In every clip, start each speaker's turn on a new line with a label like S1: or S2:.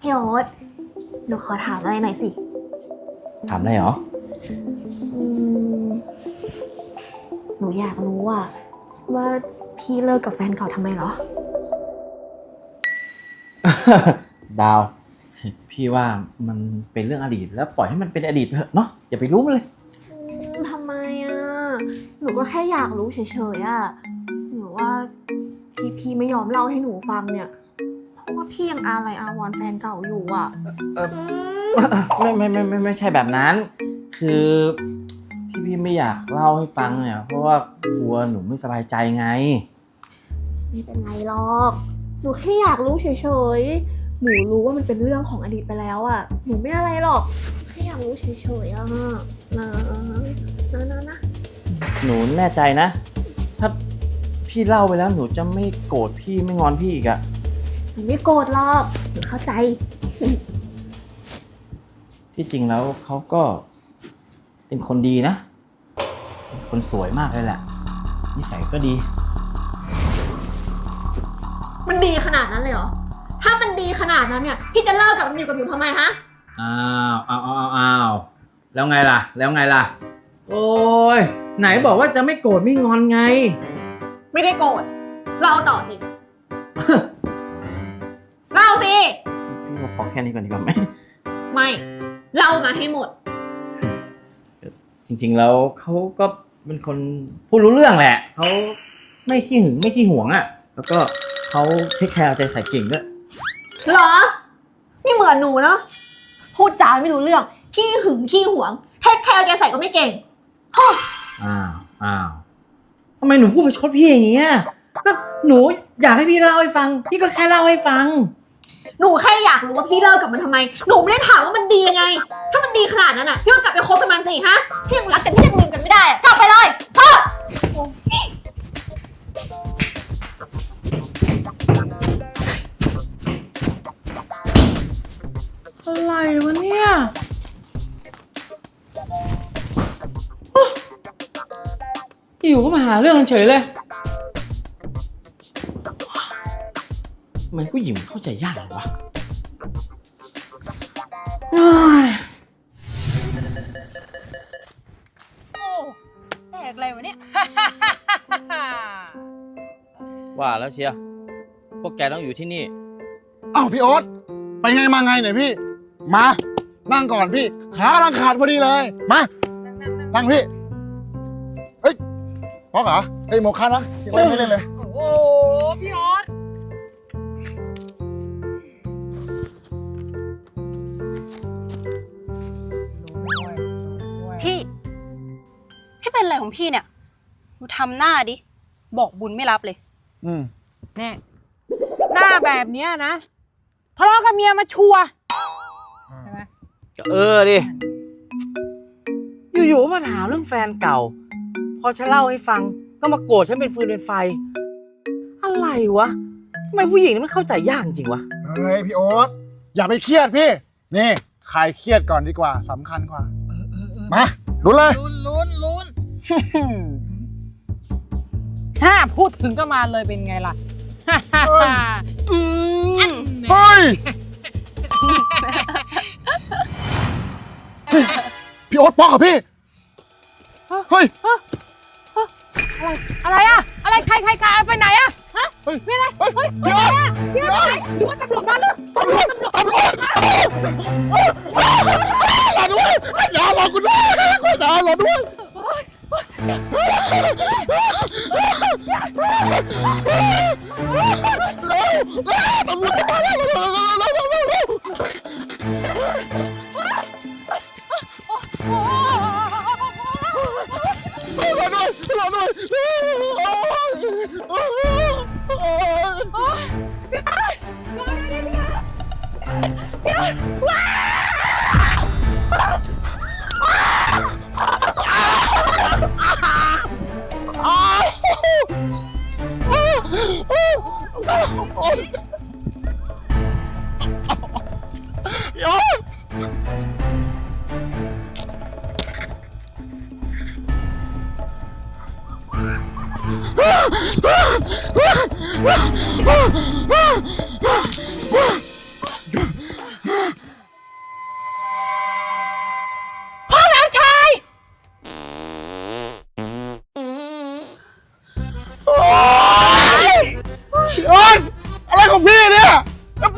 S1: พี่โอ๊ตหนูขอถามอะไรหน่อยสิ
S2: ถามได้เหรอ
S1: อืมหนูอยากรู้ว่าพี่เลิกกับแฟนเก่าทำไมเหรอ
S2: ดาว พี่ว่ามันเป็นเรื่องอดีตแล้วปล่อยให้มันเป็นอดีตไปเถอะเนาะอย่าไปรู้มันเลย
S1: ทำไมหนูก็แค่อยากรู้เฉยหนูว่าที่พี่ไม่ยอมเล่าให้หนูฟังเนี่ยเพราะว่าพี่ยังอาลัยอาวรณ์แฟนเก่าอยู่
S2: ไม่ใช่แบบนั้น คือที่พี่ไม่อยากเล่าให้ฟังเนี่ยเพราะว่ากลัวหนูไม่สบายใจไง
S1: ไม่เป็นไรหรอกหนูแค่อยากรู้เฉยๆหนูรู้ว่ามันเป็นเรื่องของอดีตไปแล้วหนูไม่อะไรหรอกแค่อยากรู้เฉยๆนะ
S2: หนูแน่ใจนะถ้าพี่เล่าไปแล้วหนูจะไม่โกรธพี่ไม่งอนพี่อีก
S1: หนูไม่โกรธหรอกหนูเข้าใจ
S2: ที่จริงแล้วเขาก็เป็นคนดีนะคนสวยมากเลยแหละนิสัยก็ดี
S1: มันดีขนาดนั้นเลยเหรอถ้ามันดีขนาดนั้นเนี่ยพี่จะเลิกกับมันอยู่กับหนูทำไมฮะ
S2: อ้าวแล้วไงล่ะโอ้ยไหนบอกว่าจะไม่โกรธไม่งอนไง
S1: ไม่ได้โกรธเล่าต่อสิเล่าสิ
S2: พี่ขอแค่นี้ก่อนดีกว่าไหม
S1: ไม่เล่ามาให้หมด
S2: จริงๆแล้วเขาก็เป็นคนพูดรู้เรื่องแหละเขาไม่ขี้หึงไม่ขี้หวงแล้วก็เขาเทคแคร์ใจใส่เก่งด้วย
S1: เหรอนี่เหมือนหนูเนาะพูดจาไม่รู้เรื่องขี้หึงขี้หวงเทคแคร์ใจใส่ก็ไม่เก่ง
S2: อ้าวทำไมหนูพูดประชดพี่อย่างเงี้ยก็หนูอยากให้พี่เล่าให้ฟังพี่ก็แค่เล่าให้ฟัง
S1: หนูแค่อยากรู้ว่าพี่เลิกกับมันทำไมหนูไม่ได้ถามว่ามันดียังไงถ้ามันดีขนาดนั้นพี่ก็กลับไปคบกับมันสิฮะที่ยังรักกันที่ยังลืมกันไม่ได้กลับไปเลยชอบ
S2: อะไรวะเนี่ยอยู่ก็มาหาเรื่องกันเฉยเลยทำไมผู้หญิงเข้าใจยากเลยวะ
S3: แจกอะไรวะเนี่ย
S2: ว่าแล้วเชียร์พวกแกต้องอยู่ที่นี่
S4: อ้าวพี่โอ๊ตไปไงมาไงเนี่ยพี่มานั่งก่อนพี่ขากำลังขาดพอดีเลยมานั่งพี่เฮ้ยพอเหรอเฮ้ยโมคานะจริงๆไม่เล่นเลย
S3: โอ้โหพี่ออสพี่เป็นอะไรของพี่เนี่ยดูทำหน้าดิบอกบุญไม่รับเลย
S5: แน่หน้าแบบเนี้ยนะทะเลาะกับเมียมาชัวใช่ไหม
S2: ดิอยู่ๆมาถามเรื่องแฟนเก่าพอฉันเล่าให้ฟังก็มาโกรธฉันเป็นฟืนเป็นไฟอะไรวะทำไมผู้หญิงนี่มันเข้าใจยากจริงวะ
S4: เฮ้ยพี่โอ๊ตอย่าไปเครียดพี่นี่คลายเครียดก่อนดีกว่าสำคัญกว่ามาลุ้นเลย
S5: ลุ้นถ้าพูดถึงก็มาเลยเป็นไงล่ะ
S4: เฮ้ยพี่โอ๊ตป๊อกกับพี่เฮ้ย
S5: อะไรอะไรใครไปไหนฮะไม่อะไรเฮ้ยพี่โอ๊ตพี่โอ๊ตหรือว่าตำรวจมาหรือ
S4: ตำรวจรอด้วยอย่ารอกูด้วยอย่ารอด้วยตำรวจมาแล้วรอ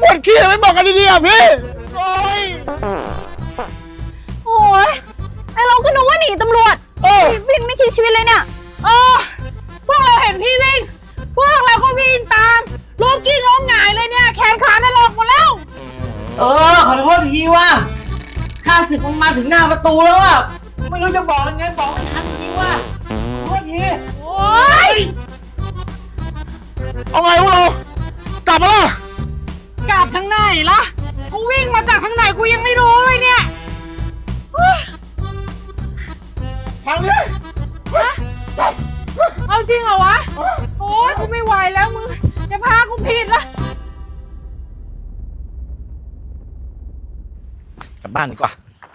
S4: ปวดขี้ไม่บอกกันดีๆอ่ะพี่ โอ้ย
S3: โอ้ยไอเราก็นึกว่าหนีตำรวจวิ่งไม่คิดชีวิตเลยเนี่ย
S5: พวกเราเห็นพี่วิ่ง พวกเราก็วิ่งตามล้มกิ้งล้มหงายเลยเนี่ย แขนขาถลอกหมดแล้ว
S2: ขอโทษทีว่าข้าศึกมันมาถึงหน้าประตูแล้วอ่ะไม่รู้จะบอกยังไงบอกไม่ทันจริงว่าขอโทษที
S5: โอ๊ย
S4: เอาไงพวกเรา กลับมาละ
S5: กลับทางไหนล่ะ กูวิ่งมาจากทางไหนกูยังไม่รู้เลยเนี่ย
S4: ทางนี้
S5: เอาจริงเหรอวะ โอ๊ยกูไม่ไหวแล้วมึงจะพากูผิดละ
S2: กลับบ้านดีกว่า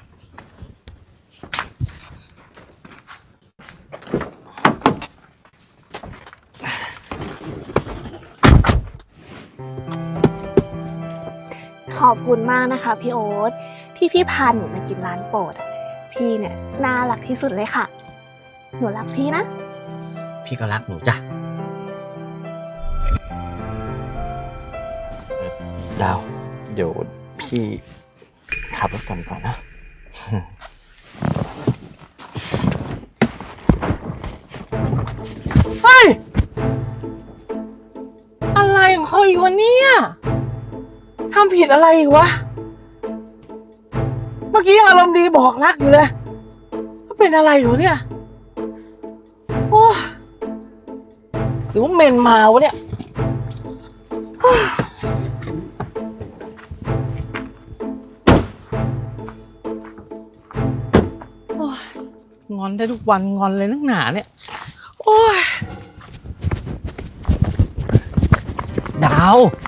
S1: ขอบคุณมากนะคะพี่โอ๊ตที่พี่พาหนูมากินร้านโปรดอะพี่เนี่ยน่ารักที่สุดเลยค่ะ หนูรักพี่นะ
S2: พี่ก็รักหนูจ้ะดาว เดี๋ยวพี่ขับรถก่อนดีกว่านะ เฮ้ย อะไรของเขาอีกวะเนี่ยทำผิดอะไรอีกวะ เมื่อกี้ยังอารมณ์ดีบอกรักอยู่เลยว่าเป็นอะไรอยู่เนี่ย โอ้หรือว่าเมนมาวะเนี่ย โอ้ยงอนได้ทุกวันงอนเลยนักหนาเนี่ย โอ้ย ดาว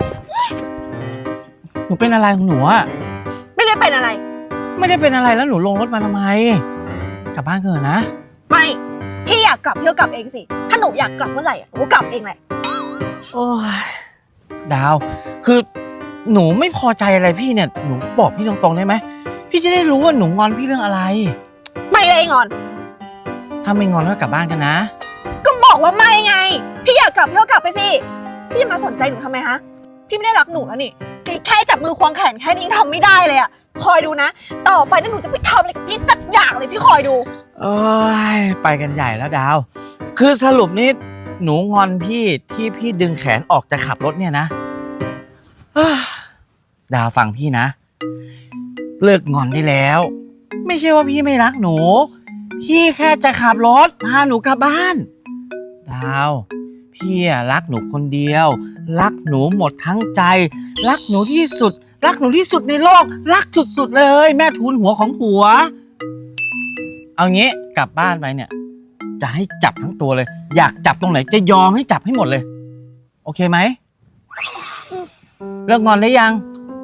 S2: หนูเป็นอะไรของหนูอะ
S3: ไม่ได้เป็นอะไร
S2: ไม่ได้เป็นอะไรแล้วหนูลงรถมาทำไม กลับบ้านเถอะนะ
S3: ไม่ พี่อยากกลับพี่ก็กลับเองสิ ถ้าหนูอยากกลับเมื่อไหร่หนูก็กลับเองแหละ
S2: โอ้ย ดาว คือหนูไม่พอใจอะไรพี่เนี่ย หนูบอกพี่ตรงๆได้ไหม พี่จะได้รู้ว่าหนูงอนพี่เรื่องอะไร
S3: ไม่เลยงอน
S2: ถ้าไม่งอนก็กลับบ้านกันนะ
S3: ก็บอกว่าไม่ไง พี่อยากกลับพี่ก็กลับไปสิ พี่จะมาสนใจหนูทำไมฮะ พี่ไม่ได้รักหนูแล้วนี่แค่จับมือควงแขนแค่นี้ยังทำไม่ได้เลยอะคอยดูนะ ต่อไปนั่นหนูจะไปทำอะไรกับพี่สักอย่างเลยพี่คอยดู
S2: โอ้ย ไปกันใหญ่แล้วดาว คือสรุปนี่หนูงอนพี่ที่พี่ดึงแขนออกจะขับรถเนี่ยนะเอ้อดาวฟังพี่นะ เลิกงอนได้แล้ว ไม่ใช่ว่าพี่ไม่รักหนู พี่แค่จะขับรถพาหนูกลับบ้าน ดาว พี่อะรักหนูคนเดียว รักหนูหมดทั้งใจ รักหนูที่สุด รักหนูที่สุดในโลก รักสุดๆเลย แม่ทูลหัวของผัว เอางี้กลับบ้านไปเนี่ย จะให้จับทั้งตัวเลย อยากจับตรงไหนจะยอมให้จับให้หมดเลย โอเคไหมเลิกงอนได้ยัง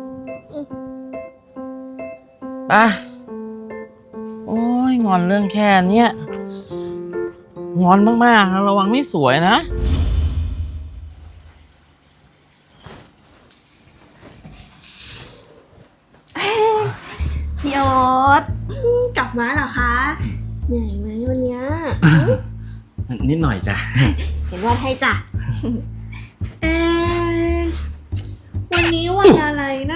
S2: อ่ะโอ้ยงอนเรื่องแค่เนี้ยงอนมากๆนะระวังไม่สวยนะ
S1: พี่โอ๊ตกลับมาเหรอคะเหนื่อยไหมวันเนี้ย
S2: นิดหน่อยจ้ะ
S1: เห็นว่าให้จ้ะ เอ๊ะวันนี้วันอะไรนะ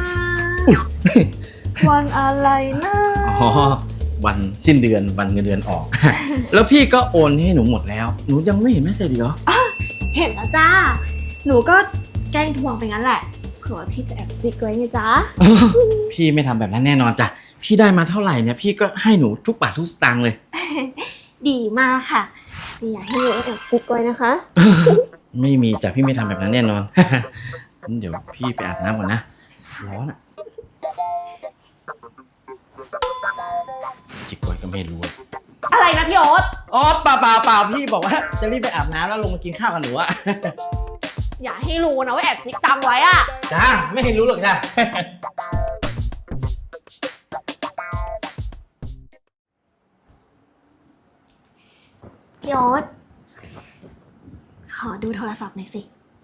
S1: วันอะไรนะ
S2: อ๋อ วันสิ้นเดือนวันเงินเดือนออก แล้วพี่ก็โอนให้หนูหมดแล้ว หนูยังไม่เห็นแม่เสร็จอีกเหรอ
S1: เห็นแล้วจ้า หนูก็แกล้งทวงไปงั้นแหละ เผื่อว่าพี่จะแอบจิกไว้ไงจ๊ะ
S2: พี่ไม่ทำแบบนั้นแน่นอนจ้ะ พี่ได้มาเท่าไหร่เนี่ยพี่ก็ให้หนูทุกบาททุกสตางค์เลย
S1: ดีมากค่ะไม่อยากให้หนูแอบจิกไว้นะคะ
S2: ไม่มีจ้ะพี่ไม่ทำแบบนั้นแน่นอน งั้นเดี๋ยวพี่ไปอาบน้ำก่อนนะ ร้อนอ่ะ จิกไว้ก็ไม่รู้อะ
S1: อะไรนะพี่โอ๊ต
S2: อ๋อเปล่าพี่บอกว่าจะรีบไปอาบน้ำแล้วลงมากินข้าวกับหนูอะ
S1: อย่าให้รู้นะว่าแอบจิกตังไว้อะ
S2: จ้าไม่เห็นรู้หรอกจ้า
S1: พี่โอ๊ตขอดูโทรศัพท์หน่อยสิ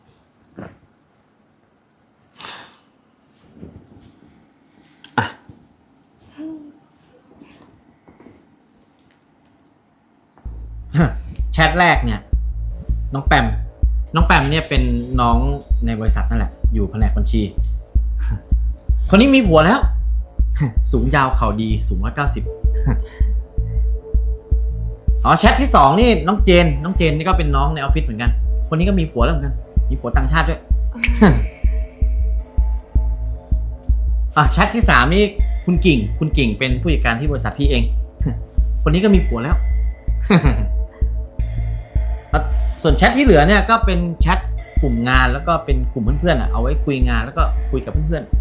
S2: แชทแรกเนี่ย น้องแปมเนี่ยเป็นน้องในบริษัทนั่นแหละ อยู่แผนกบัญชีคนนี้มีผัวแล้ว สูงยาวเข่าดีสูง190 อ๋อแชทที่ 2นี่น้องเจนนี่ก็เป็นน้องในออฟฟิศเหมือนกัน คนนี้ก็มีผัวแล้วเหมือนกัน มีผัวต่างชาติด้วย อ่ะแชทที่ 3นี่คุณกิ่งเป็นผู้จัดการที่บริษัทพี่เอง คนนี้ก็มีผัวแล้ว ส่วนแชทที่เหลือเนี่ยก็เป็นแชทกลุ่มงานแล้วก็เป็นกลุ่มเพื่อนๆเอาไว้คุยงานแล้วก็คุยกับเพื่อน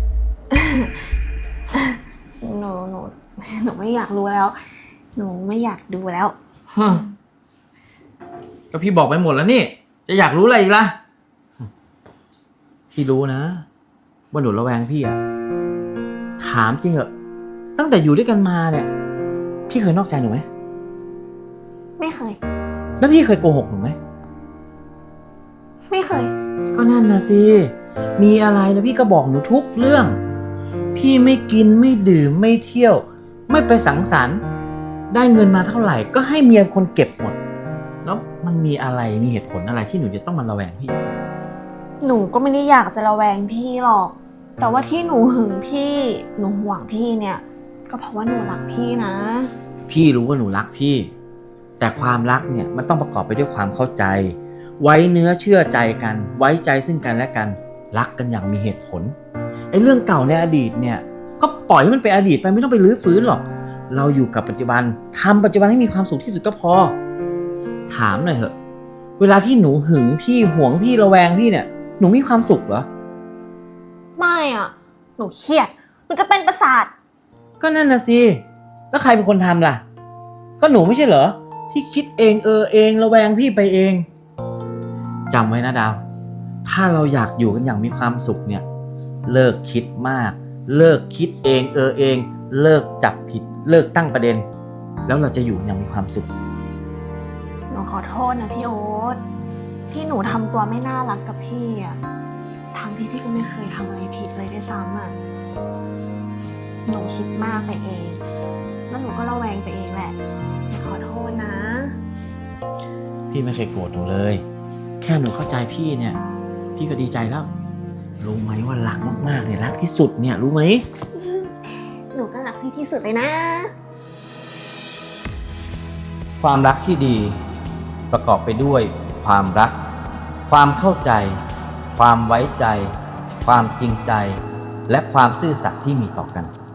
S1: หนูไม่อยากรู้แล้ว หนูไม่อยากดูแล้ว
S2: ๆ ก็พี่บอกไปหมดแล้วนี่ จะอยากรู้อะไรอีกล่ะ พี่รู้นะว่าหนูระแวงพี่อะถามจริงเหอะตั้งแต่อยู่ด้วยกันมาเนี่ยพี่เคยนอกใจหนูไหม
S1: ไม่เคย
S2: แล้วพี่เคยโกหกหนูไหม
S1: ไม่เคย
S2: ก็นั่นนะสิ มีอะไรนะพี่ก็บอกหนูทุกเรื่อง พี่ไม่กินไม่ดื่มไม่เที่ยว ไม่ไปสังสรรค์ได้เงินมาเท่าไหร่ก็ให้เมียคนเก็บหมด แล้วมันมีอะไรมีเหตุผลอะไรที่หนูจะต้องมาระแวงพี่
S1: หนูก็ไม่ได้อยากจะระแวงพี่หรอก แต่ว่าที่หนูหึงพี่ หนูห่วงพี่เนี่ย ก็เพราะว่าหนูรักพี่นะ
S2: พี่รู้ว่าหนูรักพี่ แต่ความรักเนี่ยมันต้องประกอบไปด้วยความเข้าใจ ไว้เนื้อเชื่อใจกัน ไว้ใจซึ่งกันและกัน รักกันอย่างมีเหตุผลไอ้เรื่องเก่าในอดีตเนี่ยก็ปล่อยให้มันเป็นอดีตไปไม่ต้องไปรื้อฟื้นหรอก เราอยู่กับปัจจุบันทำปัจจุบันให้มีความสุขที่สุดก็พอ ถามหน่อยเถอะเวลาที่หนูหึงพี่ห่วงพี่ระแวงพี่เนี่ยหนูมีความสุขเหรอ
S1: ไม่อ่ะ หนูเครียด หนูจะเป็นประสาท
S2: ก็นั่นน่ะสิแล้วใครเป็นคนทำล่ะก็หนูไม่ใช่เหรอที่คิดเองเองระแวงพี่ไปเองจำไว้นะดาวถ้าเราอยากอยู่กันอย่างมีความสุขเนี่ยเลิกคิดมากเลิกคิดเองเองเลิกจับผิดเลิกตั้งประเด็นแล้วเราจะอยู่อย่างมีความสุข
S1: หนูขอโทษนะพี่โอ๊ตที่หนูทำตัวไม่น่ารักกับพี่อ่ะทั้งที่พี่ก็ไม่เคยทำอะไรผิดเลยด้วยซ้ำอ่ะหนูคิดมากไปเองแล้วหนูก็ระแวงไปเองแหละขอโทษนะ
S2: พี่ไม่เคยโกรธหนูเลยแค่หนูเข้าใจพี่เนี่ยพี่ก็ดีใจแล้วรู้ไหมว่ารักมากๆเนี่ยรักที่สุดเนี่ยรู้ไหม
S1: หนูก็รักพี่ที่สุดเลยนะ
S2: ความรักที่ดีประกอบไปด้วยความรักความเข้าใจความไว้ใจความจริงใจและความซื่อสัตย์ที่มีต่อกัน